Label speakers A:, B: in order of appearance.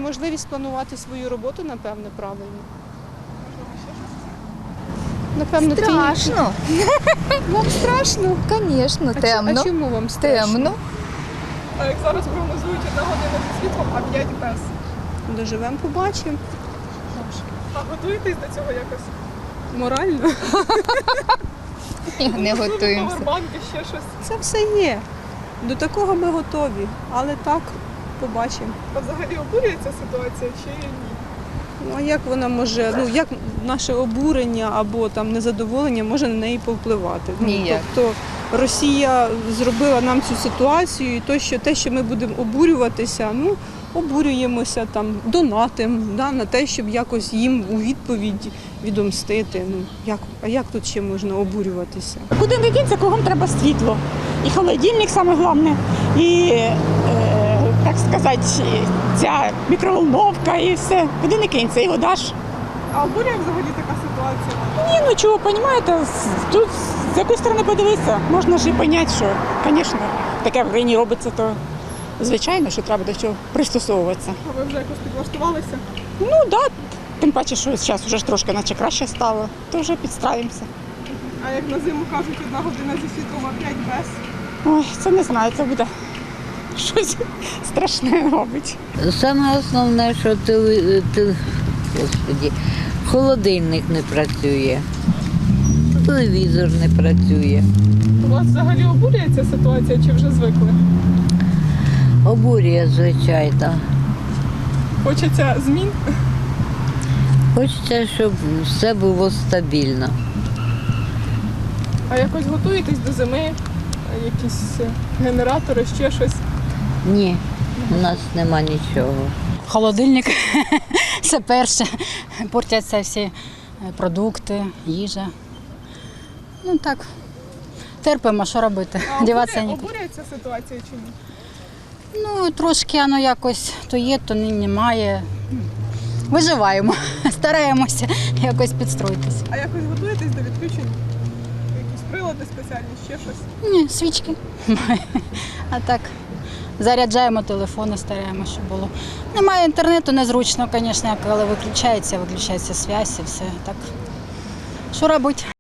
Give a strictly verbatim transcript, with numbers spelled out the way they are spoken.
A: неможливість планувати свою роботу, напевно, правильно. Напевно,
B: Страшно.
A: Ти... Вам страшно?
B: Звісно,
A: А
B: темно.
A: ч- А чому вам страшно?
B: Темно.
C: А як зараз прогнозують одна година зі світлом, а п'ять без.
A: Доживемо, побачимо.
C: А готуєтесь до цього якось?
A: Морально.
B: Ні, не готуємося.
C: Павербанки, ще щось.
A: Це все є. До такого ми готові. Але так, побачимо.
C: А взагалі обурюється ситуація чи ні?
A: Ну, а як вона може, ну як наше обурення або там незадоволення може на неї повпливати? Ну,
B: Ніяк.
A: тобто Росія зробила нам цю ситуацію, і то, що те, що ми будемо обурюватися, ну обурюємося там, донатимо, да, на те, щоб якось їм у відповідь відомстити. Ну як, а як тут ще можна обурюватися?
D: Куди не дінься, кругом треба світло. І холодильник саме головне, і, е, так сказати, ця мікроволновка і все. Куди не кинься, і вода ж.
C: А обурює взагалі така ситуація?
D: Ні, ну чого, розумієте, тут з якої сторони подивитися, можна ж і зрозуміти, що, звісно, таке в країні робиться, то звичайно, що треба до чого пристосовуватися.
C: А ви вже якось підлаштувалися?
D: Ну так, да, тим паче, що зараз вже ж трошки наче краще стало, то вже підстраюємося.
C: А як на зиму кажуть, одна година зі світлом, а п'ять без?
D: Ой, це не знаю, це буде щось страшне, мабуть.
E: Саме основне, що теле, те- Господі, холодильник не працює, телевізор не працює.
C: У вас взагалі обурює ця ситуація чи вже звикли?
E: Обурює, звичайно.
C: Хочеться змін?
E: Хочеться, щоб все було стабільно.
C: А якось готуєтесь до зими? Якісь генератори, ще щось?
E: Ні, у нас нема нічого.
F: Холодильник це перше. Портяться всі продукти, їжа. Ну так, терпимо, що робити.
C: А
F: Діватися
C: обурює,
F: нікуди.
C: обурює ця ситуація чи ні?
F: Ну, трошки воно якось то є, то ні- немає. Виживаємо, стараємося якось підстроїтися.
C: А якось готуєтесь до відключень? Якісь прилади спеціальні, ще щось?
F: Ні, свічки. А так, заряджаємо телефони, стараємося, щоб було. Немає інтернету, незручно, звісно, коли виключається, виключається зв'язь і все. Так, що робити?